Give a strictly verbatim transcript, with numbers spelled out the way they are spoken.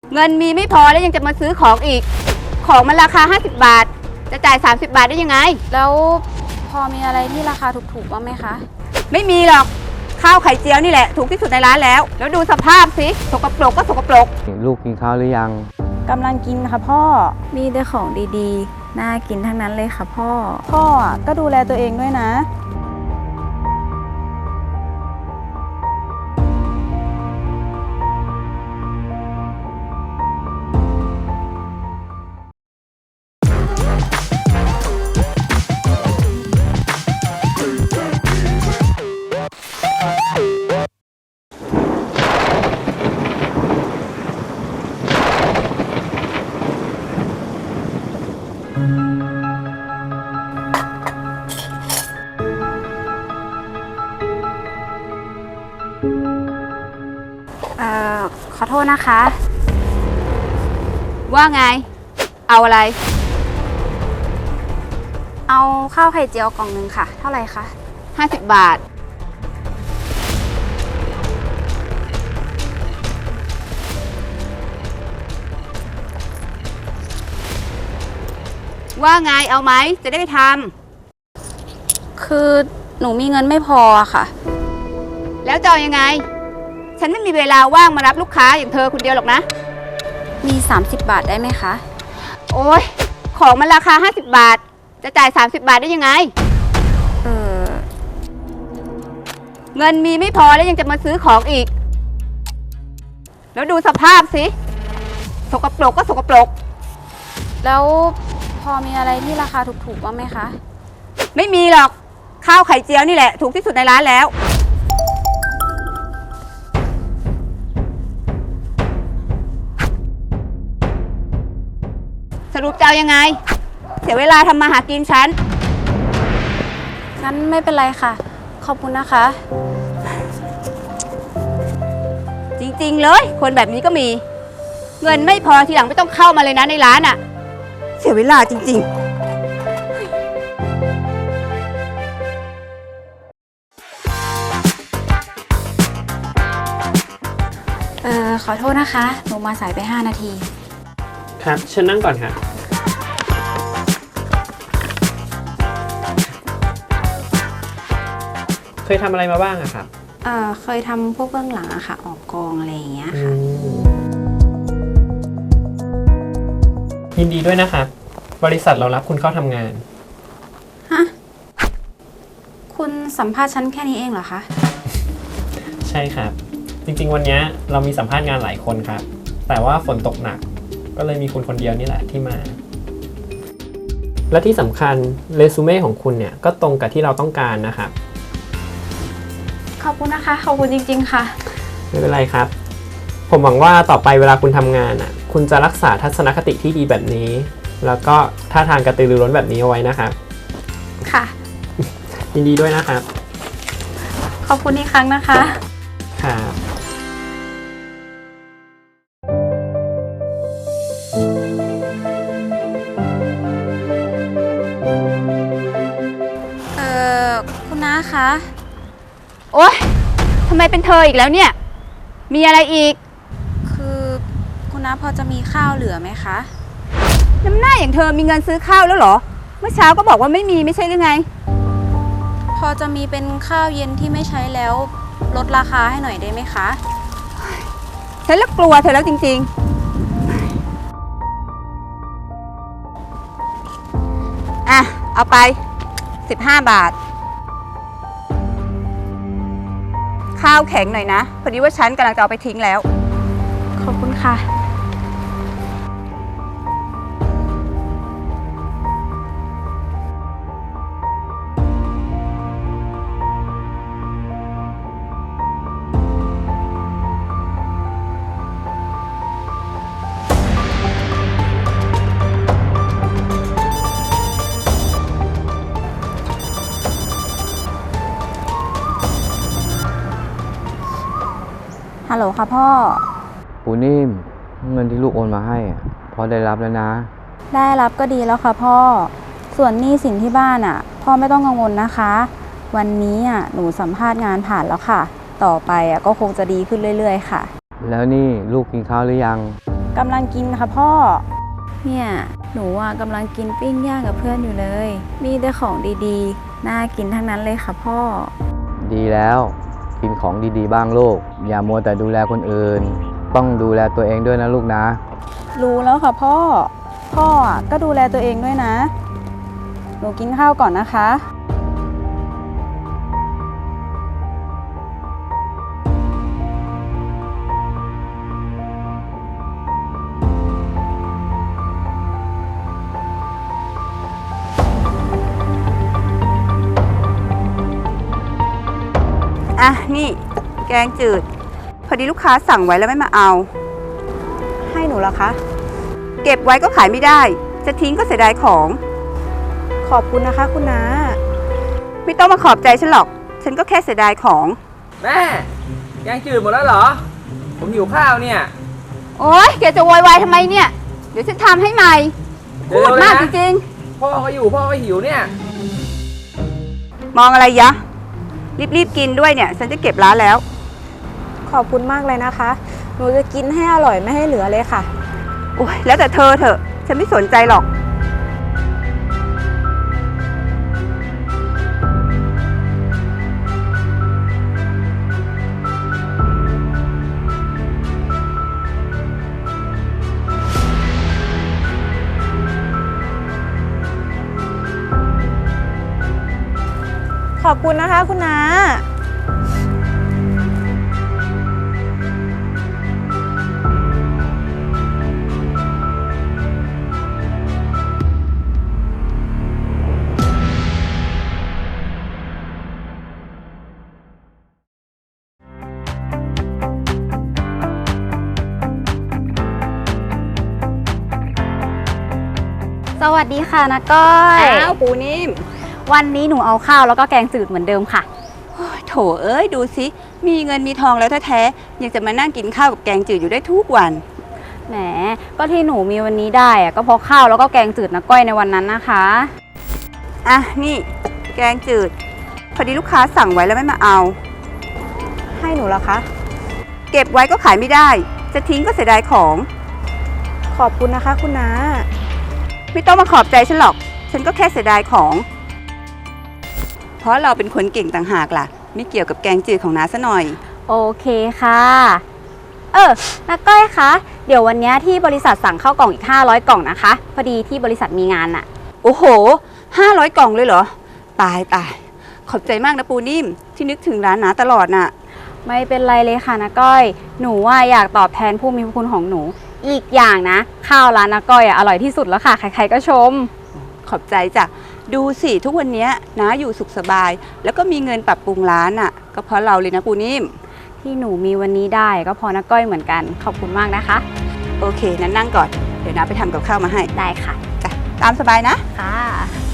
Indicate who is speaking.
Speaker 1: เงินมีไม่พอแล้วยังจะมาซื้อของอีกของมันราคาห้าสิบบาทจะจ่ายสามสิบบาทได้ยังไง
Speaker 2: แล้วพอมีอะไรที่ราคาถูกๆบ้างไหมคะ
Speaker 1: ไม่มีหรอกข้าวไข่เจียวนี่แหละถูกที่สุดในร้านแล้วแล้วดูสภาพสิสกปรกก็สกปรก
Speaker 3: ลูกกินข้าวหรือยัง
Speaker 2: กำลังกินค่ะพ่อมีแต่ของดีๆน่ากินทั้งนั้นเลยค่ะพ่อพ่อก็ดูแลตัวเองด้วยนะเอ่อขอโทษนะคะ
Speaker 1: ว่าไงเอาอะไร
Speaker 2: เอาข้าวไข่เจียวกล่องหนึ่งค่ะเท่าไหร่คะ
Speaker 1: ห้าสิบบาทว่าไงเอาไหมจะได้ไปท
Speaker 2: ำคือหนูมีเงินไม่พอค่ะ
Speaker 1: แล้วจะเอายังไงฉันไม่มีเวลาว่างมารับลูกค้าอย่างเธอคนเดียวหรอกนะ
Speaker 2: มีสามสิบบาทได้ไหมคะ
Speaker 1: โอ๊ยของมันราคาห้าสิบบาทจะจ่ายสามสิบบาทได้ยังไง
Speaker 2: เออ
Speaker 1: เงินมีไม่พอแล้วยังจะมาซื้อของอีกแล้วดูสภาพสิสกปรกก็สกปรก
Speaker 2: แล้วพอมีอะไรที่ราคาถูกๆบ้างไหมคะ
Speaker 1: ไม่มีหรอกข้าวไข่เจียวนี่แหละถูกที่สุดในร้านแล้วสรุปจะเอายังไงเสียเวลาทำมาหากินฉัน
Speaker 2: งั้นไม่เป็นไรค่ะขอบคุณนะคะ
Speaker 1: จริงๆเลยคนแบบนี้ก็มีเงินไม่พอทีหลังไม่ต้องเข้ามาเลยนะในร้านอ่ะเสียเวลาจริงๆ
Speaker 2: เออขอโทษนะคะหนูมาสายไปห้านาที
Speaker 4: ครับเชิญนั่งก่อนค่ะเคยทำอะไรมาบ้างอะครับ
Speaker 2: เออเคยทำพวกเบื้องหลังอะค่ะออกกองอะไรอย่างเงี้ยค่ะ
Speaker 4: ยินดีด้วยนะครับบริษัทเรารับคุณเข้าทำงาน
Speaker 2: ฮะคุณสัมภาษณ์ฉันแค่นี้เองเหรอคะ
Speaker 4: ใช่ครับจริงๆวันนี้เรามีสัมภาษณ์งานหลายคนครับแต่ว่าฝนตกหนักก็เลยมีคุณคนเดียวนี่แหละที่มาและที่สำคัญเรซูเม่ของคุณเนี่ยก็ตรงกับที่เราต้องการนะครับ
Speaker 2: ขอบคุณนะคะขอบคุณจริงๆค่ะ
Speaker 4: ไม่เป็นไรครับผมหวังว่าต่อไปเวลาคุณทำงานอ่ะคุณจะรักษาทัศนคติที่ดีแบบนี้แล้วก็ท่าทางกระตือรือร้นแบบนี้เอาไว้นะครับ
Speaker 2: ค่ะ
Speaker 4: ยินดีด้วยนะครับ
Speaker 2: ขอบคุณอีกครั้งนะคะ
Speaker 4: ครับ
Speaker 2: เอ่อคุณน้าคะ
Speaker 1: โอ๊ยทำไมเป็นเธออีกแล้วเนี่ยมีอะไรอีก
Speaker 2: คือคุณน้าพอจะมีข้าวเหลือไหมคะ
Speaker 1: น้ำหน้าอย่างเธอมีเงินซื้อข้าวแล้วเหรอเมื่อเช้าก็บอกว่าไม่มีไม่ใช่หรือไง
Speaker 2: พอจะมีเป็นข้าวเย็นที่ไม่ใช้แล้วลดราคาให้หน่อยได้ไหมคะ
Speaker 1: ฉันละกลัวเธอแล้วจริงๆอ่ะเอาไปสิบห้าบาทข้าวแข็งหน่อยนะพอดีว่าฉันกำลังจะเอาไปทิ้งแล้ว
Speaker 2: ขอบคุณค่ะฮัลโหลค่ะพ่อ
Speaker 3: ปูนิ่มเงินที่ลูกโอนมาให้พอได้รับแล้วนะ
Speaker 2: ได้รับก็ดีแล้วค่ะพ่อส่วนหนี้สินที่บ้านอ่ะพ่อไม่ต้องกังวลนะคะวันนี้อ่ะหนูสัมภาษณ์งานผ่านแล้วค่ะต่อไปอ่ะก็คงจะดีขึ้นเรื่อยๆค่ะ
Speaker 3: แล้วนี่ลูกกินข้าวหรือยัง
Speaker 2: กำลังกินค่ะพ่อ เนี่ย หนูอ่ะกำลังกินปิ้งย่างกับเพื่อนอยู่เลย มีแต่ของดีๆ น่ากินทั้งนั้นเลยค่ะพ่อ
Speaker 3: ดีแล้ว กินของดีๆบ้างลูก อย่ามัวแต่ดูแลคนอื่น ต้องดูแลตัวเองด้วยนะลูกนะ
Speaker 2: รู้แล้วค่ะพ่อ พ่ออ่ะก็ดูแลตัวเองด้วยนะ หนูกินข้าวก่อนนะคะ
Speaker 1: อ่ะ นี่ แกงจืด พอดีลูกค้าสั่งไว้แล้วไม่มาเอา
Speaker 2: ให้หนูเหรอคะ
Speaker 1: เก็บไว้ก็ขายไม่ได้ จะทิ้งก็เสียดายของ
Speaker 2: ขอบคุณนะคะคุณน้า
Speaker 1: ไม่ต้องมาขอบใจฉันหรอก ฉันก็แค่เสียดายของ
Speaker 5: แม่แกงจืดหมดแล้วเหรอ ผมหิวข้าวเนี่ย
Speaker 1: โอ๊ยแกจะโวยวายทำไมเนี่ย เดี๋ยวฉันทำให้ใหม่
Speaker 5: เดี๋
Speaker 1: พู
Speaker 5: ยว
Speaker 1: ด
Speaker 5: ๆ
Speaker 1: มาก
Speaker 5: นะ
Speaker 1: จริง
Speaker 5: พ่อก็อยู่พ่อก็หิวเนี่ย
Speaker 1: ๆ มองอะไรยะ รีบๆกินด้วยเนี่ย ฉันจะเก็บร้านแล้ว
Speaker 2: ขอบคุณมากเลยนะคะ หนูจะกินให้อร่อยไม่ให้เหลือเลยค่ะ
Speaker 1: โอ๊ยแล้วแต่เธอเถอะ ฉันไม่สนใจหรอก
Speaker 2: ขอบคุณนะคะคุณน้า
Speaker 6: สวัสดีค่ะนะก้อย
Speaker 1: อ้าวปูนิ่ม
Speaker 6: วันนี้หนูเอาข้าวแล้วก็แกงจืดเหมือนเดิมค่ะ
Speaker 1: โอ้ยโถเอ้ยดูสิ มีเงินมีทองแล้วแท้ๆยังจะมานั่งกินข้าวกับแกงจืดอยู่ได้ทุกวัน
Speaker 6: แหม ก็ที่หนูมีวันนี้ได้อะก็เพราะข้าวแล้วก็แกงจืดนะก้อยในวันนั้นนะคะ
Speaker 1: อ่ะ นี่ แกงจืด พอดีลูกค้าสั่งไว้แล้วไม่มาเอา
Speaker 2: ให้หนูเหรอคะ
Speaker 1: เก็บไว้ก็ขายไม่ได้ จะทิ้งก็เสียดายของ
Speaker 2: ขอบคุณนะคะคุณน้า
Speaker 1: ไม่ต้องมาขอบใจฉันหรอก ฉันก็แค่เสียดายของ เพราะเราเป็นคนเก่งต่างหากล่ะ ไม่เกี่ยวกับแกงจืดของน้าซะหน่อย
Speaker 6: โอเคค่ะ เออนะก้อยคะ เดี๋ยววันนี้ที่บริษัทสั่งข้าวกล่องอีกห้าร้อยกล่องนะคะ พอดีที่บริษัทมีงานอะ
Speaker 1: โอ้โห ห้าร้อยกล่องเลยเหรอ ตายตาย ขอบใจมากนะปูนิ่มที่นึกถึงร้านน้าตลอดน่ะ
Speaker 6: ไม่เป็นไรเลยค่ะนะก้อย หนูว่าอยากตอบแทนผู้มีพระคุณของหนู อีกอย่างนะ ข้าวร้านนะก้อยอะอร่อยที่สุดแล้วค่ะ ใครๆก็ชม
Speaker 1: ขอบใจจ้ะ ดูสิทุกวันนี้น้าอยู่สุขสบาย แล้วก็มีเงินปรับปรุงร้านอ่ะ ก็เพราะเราเลยนะปูนิ่ม
Speaker 6: ที่หนูมีวันนี้ได้ก็เพอนะก้อยเหมือนกัน ขอบคุณมากนะคะ
Speaker 1: โอเคนั้นนั่งก่อน เดี๋ยวน้าไปทำกับข้าวมาให้
Speaker 6: ได้ค่ะ
Speaker 1: จ้ะ ตามสบายนะ
Speaker 6: ค่ะ